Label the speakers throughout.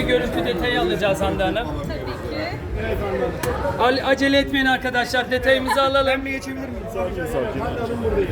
Speaker 1: görüntü detayı alacağız Hande Hanım.
Speaker 2: Tabii ki.
Speaker 1: Acele etmeyin arkadaşlar, detayımızı alalım.
Speaker 3: Ben bir geçebilir miyim?
Speaker 4: Sakin sakin.
Speaker 3: Hande Hanım buradayım.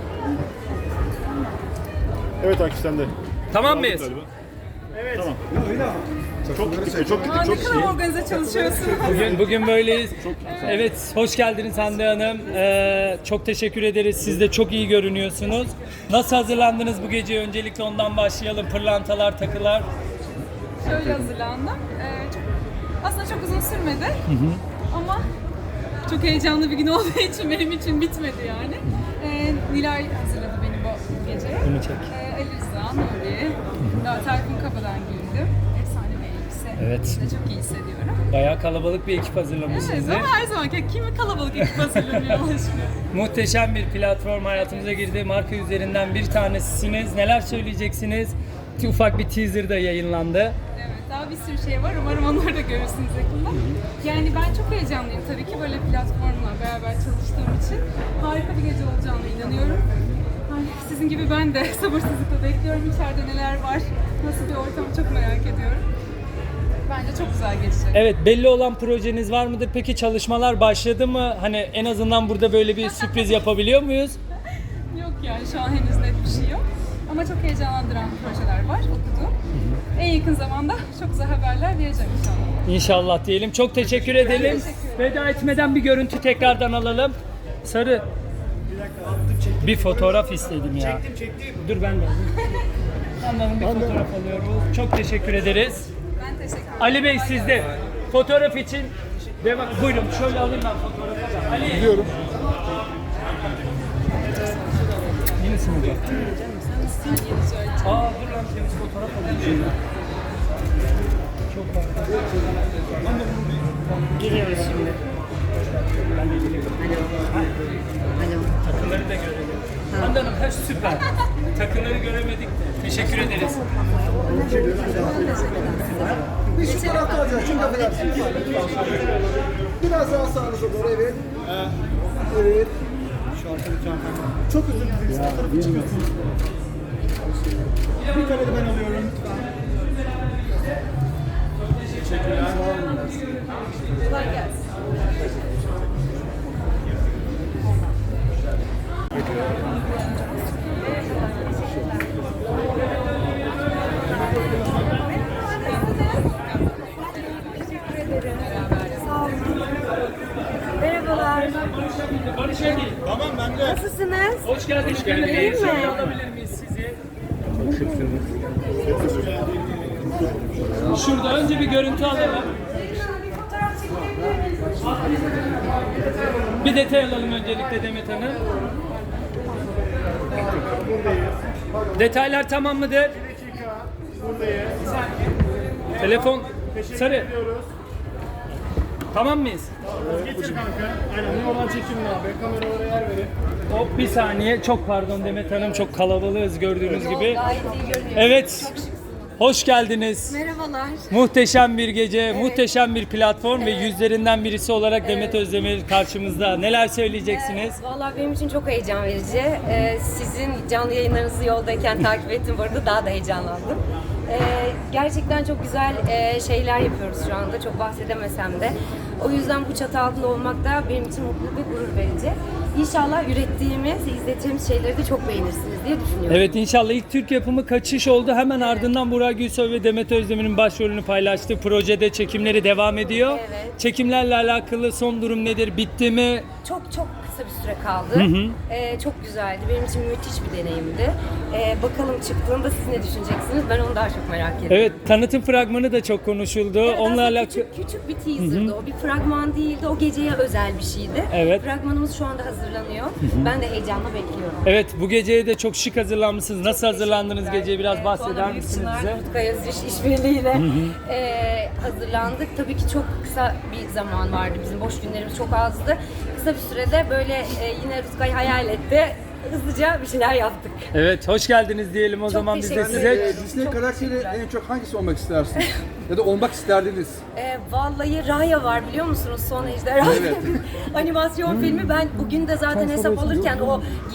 Speaker 4: Evet Akif sen de.
Speaker 1: Tamam mıyız?
Speaker 3: Evet.
Speaker 4: Tamam. Çok gittik, çok
Speaker 2: Aa,
Speaker 4: gittik,
Speaker 2: ne
Speaker 4: çok
Speaker 2: kadar organize çalışıyorsunuz.
Speaker 1: Bugün böyleyiz. Evet, hoş geldiniz Hande Hanım. Çok teşekkür ederiz. Siz de çok iyi görünüyorsunuz. Nasıl hazırlandınız bu gece? Öncelikle ondan başlayalım. Pırlantalar, takılar.
Speaker 2: Şöyle hazırlandım. Aslında çok uzun sürmedi. Ama çok heyecanlı bir gün olduğu için benim için bitmedi yani. Nilay hazırladı beni bu gece.
Speaker 1: Bunu çek.
Speaker 2: Ali Rıza, Nuri, Tayfun Kapı'dan giyindim. Efsane bir elbise.
Speaker 1: Evet.
Speaker 2: İşte çok iyi hissediyorum.
Speaker 1: Bayağı kalabalık bir ekip hazırlamış
Speaker 2: Evet
Speaker 1: sizi.
Speaker 2: ama her zaman kimi kalabalık ekip hazırlanıyor Allah aşkına.
Speaker 1: Muhteşem bir platform hayatımıza girdi. Marka üzerinden bir tanesisiniz. Neler söyleyeceksiniz? Ufak bir teaser da yayınlandı.
Speaker 2: Evet, daha bir sürü şey var. Umarım onları da görürsünüz yakında. Yani ben çok heyecanlıyım tabii ki böyle platformla beraber çalıştığım için. Harika bir gece olacağına inanıyorum. Ay, sizin gibi ben de sabırsızlıkla bekliyorum. İçeride neler var, nasıl bir ortam çok merak ediyorum. Bence çok güzel geçecek.
Speaker 1: Evet, belli olan projeniz var mıdır? Peki çalışmalar başladı mı? Hani en azından burada böyle bir sürpriz yapabiliyor muyuz?
Speaker 2: Yok yani şu an henüz net bir şey yok. Ama çok heyecanlandıran projeler var, okudum. En yakın zamanda çok güzel haberler vereceğim inşallah.
Speaker 1: İnşallah diyelim. Çok teşekkür edelim.
Speaker 2: teşekkür ederim.
Speaker 1: Veda etmeden bir görüntü tekrardan alalım. Sarı. Bir fotoğraf istedim ya.
Speaker 3: Çektim.
Speaker 1: Dur ben de. Anladım, bir fotoğraf alıyoruz. Çok teşekkür ederiz.
Speaker 2: Ben teşekkür ederim.
Speaker 1: Ali Bey sizde. Fotoğraf için devam. Buyurun şöyle alayım ben fotoğrafı. Ali.
Speaker 4: Gidiyorum.
Speaker 1: Yenisi mi bu?
Speaker 2: Sen yeni söyleyeceğim.
Speaker 1: Aa dur lan, temiz fotoğraf alayım şimdi. Çok farklı.
Speaker 5: Geliyoruz şimdi.
Speaker 1: Ben de geliyorum.
Speaker 5: Alo.
Speaker 1: Takıları da görelim. Hande Hanım her süper. Takıları göremedik. Teşekkür ederiz.
Speaker 6: Biz şu tarafta alacağız. Çünkü affedersiniz. Biraz daha sağınıza doğru. Evet. Evet.
Speaker 3: Şu arkadaki hanımefendi.
Speaker 6: Çok özür dileriz. Bu tarafa çıkıyorsunuz.
Speaker 3: Bir kare de ben alıyorum lütfen. Teşekkürler.
Speaker 2: Kolay gelsin.
Speaker 5: Merhabalar.
Speaker 1: Barış Engin.
Speaker 3: Tamam ben de.
Speaker 5: Nasılsınız?
Speaker 1: Hoş geldiniz.
Speaker 5: İyi mi?
Speaker 1: Şöyle alabilir miyiz sizi? Şurada önce bir görüntü alalım. Bir detay alalım öncelikle Demet Hanım. Detaylar tamam mıdır?
Speaker 3: Buradayız.
Speaker 1: Telefon sarı. Tamam mıyız?
Speaker 3: Getir kanka. Aynen. Ne oradan çekin abi. Kameralara yer verin.
Speaker 1: Hop bir saniye. Çok pardon Demet Hanım, çok kalabalığız gördüğünüz gibi.
Speaker 5: Gayet iyi görünüyor.
Speaker 1: Evet. Hoş geldiniz.
Speaker 5: Merhabalar.
Speaker 1: Muhteşem bir gece, muhteşem bir platform ve yüzlerinden birisi olarak Demet Özdemir karşımızda. Neler söyleyeceksiniz?
Speaker 5: Vallahi benim için çok heyecan verici. Sizin canlı yayınlarınızı yoldayken takip ettim. Bu arada daha da heyecanlandım. Gerçekten çok güzel şeyler yapıyoruz şu anda. Çok bahsedemesem de. O yüzden bu çatı altında olmak da benim için mutluluk ve gurur verici. İnşallah ürettiğimiz, izlettiğimiz şeyleri de çok beğenirsiniz diye düşünüyorum.
Speaker 1: Evet, inşallah ilk Türk yapımı Kaçış oldu. Hemen ardından Burak Gülsoy ve Demet Özdemir'in başrolünü paylaştığı projede çekimleri devam ediyor.
Speaker 5: Evet.
Speaker 1: Çekimlerle alakalı son durum nedir? Bitti mi?
Speaker 5: Çok kısa bir süre kaldı. Çok güzeldi. Benim için müthiş bir deneyimdi. Bakalım çıktığında siz ne düşüneceksiniz? Ben onu daha çok merak ediyorum.
Speaker 1: Evet, tanıtım fragmanı da çok konuşuldu.
Speaker 5: Evet,
Speaker 1: Onunla
Speaker 5: aslında
Speaker 1: alakalı...
Speaker 5: küçük bir teaser'dı o. Bir fragman değildi. O geceye özel bir şeydi.
Speaker 1: Evet.
Speaker 5: Fragmanımız şu anda hazırlanıyor. Ben de heyecanla bekliyorum.
Speaker 1: Evet, bu geceye de çok şık hazırlanmışsınız. Nasıl hazırlandınız geceye? Biraz bahseder misiniz bize?
Speaker 5: Rutkay Özdiş işbirliğiyle hazırlandık. Tabii ki çok kısa bir zaman vardı. Bizim boş günlerimiz çok azdı. Kısa bir sürede böyle yine Rutkay hayal etti. Hızlıca bir şeyler yaptık.
Speaker 1: Evet, hoş geldiniz diyelim o zaman biz de
Speaker 5: teşekkür
Speaker 1: size.
Speaker 5: ederim.
Speaker 6: Disney
Speaker 5: Çok
Speaker 6: karakteri
Speaker 5: teşekkürler.
Speaker 6: en çok hangisi olmak istersiniz? Ya da olmak isterdiniz?
Speaker 5: Vallahi Raya var biliyor musunuz? Son Ejderha
Speaker 6: Evet.
Speaker 5: animasyon filmi. Ben bugün de zaten hesap alırken o gifti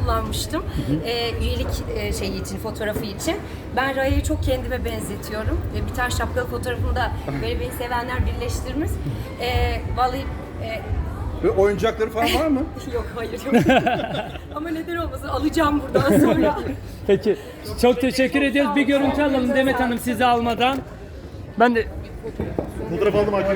Speaker 5: kullanmıştım. Üyelik şeyi için, fotoğrafı için. Ben Raya'yı çok kendime benzetiyorum. Bir tane şapkalı fotoğrafımda böyle beni sevenler birleştirmiş. Vallahi
Speaker 7: Ve oyuncakları falan var mı?
Speaker 5: yok, hayır yok. Ama neden olmasın, alacağım buradan sonra.
Speaker 1: Peki. Çok teşekkür ediyoruz. Bir görüntü alalım Demet Hanım sizi almadan. Ben de
Speaker 4: Fotoğraf aldım Akif.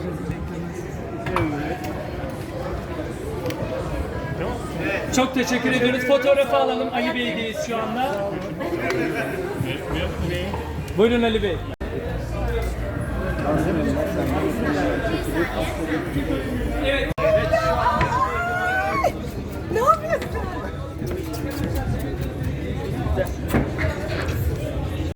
Speaker 1: çok teşekkür ediyoruz. Fotoğrafı alalım. Ali Bey'deyiz şu anda. Buyurun Ali Bey. Evet.